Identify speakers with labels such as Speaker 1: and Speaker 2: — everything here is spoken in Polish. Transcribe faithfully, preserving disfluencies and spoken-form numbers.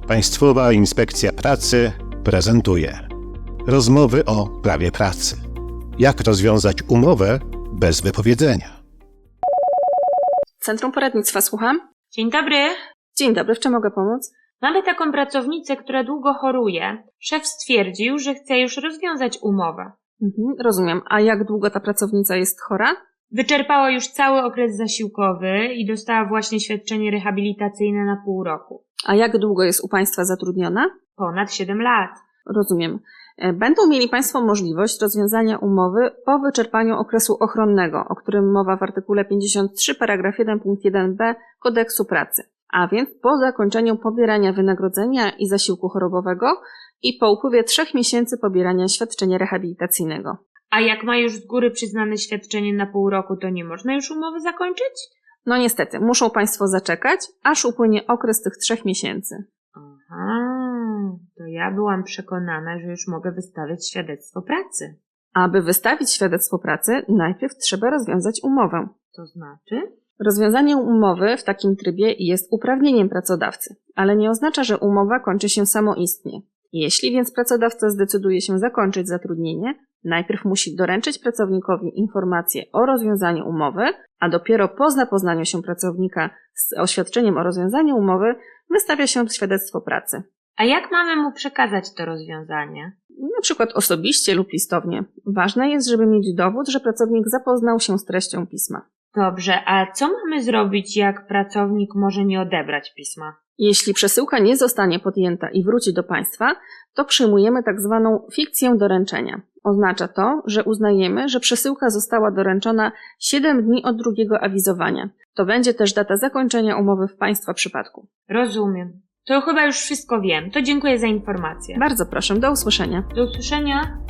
Speaker 1: Państwowa Inspekcja Pracy prezentuje rozmowy o prawie pracy. Jak rozwiązać umowę bez wypowiedzenia?
Speaker 2: Centrum Poradnictwa, słucham.
Speaker 3: Dzień dobry.
Speaker 2: Dzień dobry, w czym mogę pomóc?
Speaker 3: Mamy taką pracownicę, która długo choruje. Szef stwierdził, że chce już rozwiązać umowę.
Speaker 2: Mhm, rozumiem. A jak długo ta pracownica jest chora?
Speaker 3: Wyczerpała już cały okres zasiłkowy i dostała właśnie świadczenie rehabilitacyjne na pół roku.
Speaker 2: A jak długo jest u Państwa zatrudniona?
Speaker 3: Ponad siedem lat.
Speaker 2: Rozumiem. Będą mieli Państwo możliwość rozwiązania umowy po wyczerpaniu okresu ochronnego, o którym mowa w artykule pięćdziesiąt trzy paragraf jeden punkt jeden b Kodeksu Pracy. A więc po zakończeniu pobierania wynagrodzenia i zasiłku chorobowego i po upływie trzech miesięcy pobierania świadczenia rehabilitacyjnego.
Speaker 3: A jak ma już z góry przyznane świadczenie na pół roku, to nie można już umowy zakończyć?
Speaker 2: No niestety, muszą Państwo zaczekać, aż upłynie okres tych trzech miesięcy.
Speaker 3: Aha, to ja byłam przekonana, że już mogę wystawiać świadectwo pracy.
Speaker 2: Aby wystawić świadectwo pracy, najpierw trzeba rozwiązać umowę.
Speaker 3: To znaczy?
Speaker 2: Rozwiązanie umowy w takim trybie jest uprawnieniem pracodawcy, ale nie oznacza, że umowa kończy się samoistnie. Jeśli więc pracodawca zdecyduje się zakończyć zatrudnienie, najpierw musi doręczyć pracownikowi informację o rozwiązaniu umowy, a dopiero po zapoznaniu się pracownika z oświadczeniem o rozwiązaniu umowy wystawia się świadectwo pracy.
Speaker 3: A jak mamy mu przekazać to rozwiązanie?
Speaker 2: Na przykład osobiście lub listownie. Ważne jest, żeby mieć dowód, że pracownik zapoznał się z treścią pisma.
Speaker 3: Dobrze, a co mamy zrobić, jak pracownik może nie odebrać pisma?
Speaker 2: Jeśli przesyłka nie zostanie podjęta i wróci do Państwa, to przyjmujemy tak zwaną fikcję doręczenia. Oznacza to, że uznajemy, że przesyłka została doręczona siedem dni od drugiego awizowania. To będzie też data zakończenia umowy w Państwa przypadku.
Speaker 3: Rozumiem. To chyba już wszystko wiem. To dziękuję za informację.
Speaker 2: Bardzo proszę, do usłyszenia.
Speaker 3: Do usłyszenia.